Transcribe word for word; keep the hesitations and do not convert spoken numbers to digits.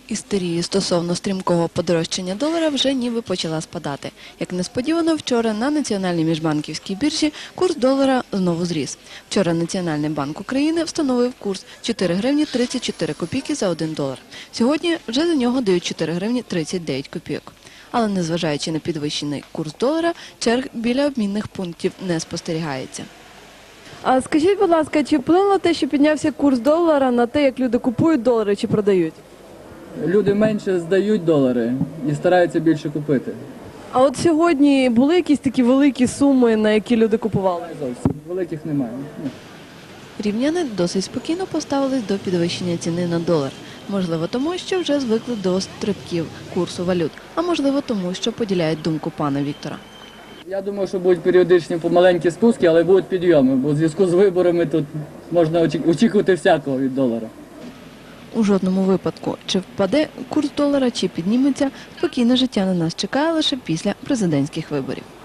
Істерія стосовно стрімкого подорожчання долара вже ніби почала спадати. Як несподівано, вчора на Національній міжбанківській біржі курс долара знову зріс. Вчора Національний банк України встановив курс чотири гривні тридцять чотири копійки за один долар. Сьогодні вже за нього дають чотири гривні тридцять дев'ять копійок. Але незважаючи на підвищений курс долара, черг біля обмінних пунктів не спостерігається. А скажіть, будь ласка, чи вплинуло те, що піднявся курс долара на те, як люди купують долари чи продають? Люди менше здають долари і стараються більше купити. А от сьогодні були якісь такі великі суми, на які люди купували? Не зовсім. Великих немає. Ні. Рівняни досить спокійно поставились до підвищення ціни на долар. Можливо, тому, що вже звикли до стрибків курсу валют, а можливо, тому, що поділяють думку пана Віктора. Я думаю, що будуть періодичні помаленькі спуски, але будуть підйоми, бо в зв'язку з виборами тут можна очікувати всякого від долара. У жодному випадку, чи впаде курс долара, чи підніметься, спокійне життя на нас чекає лише після президентських виборів.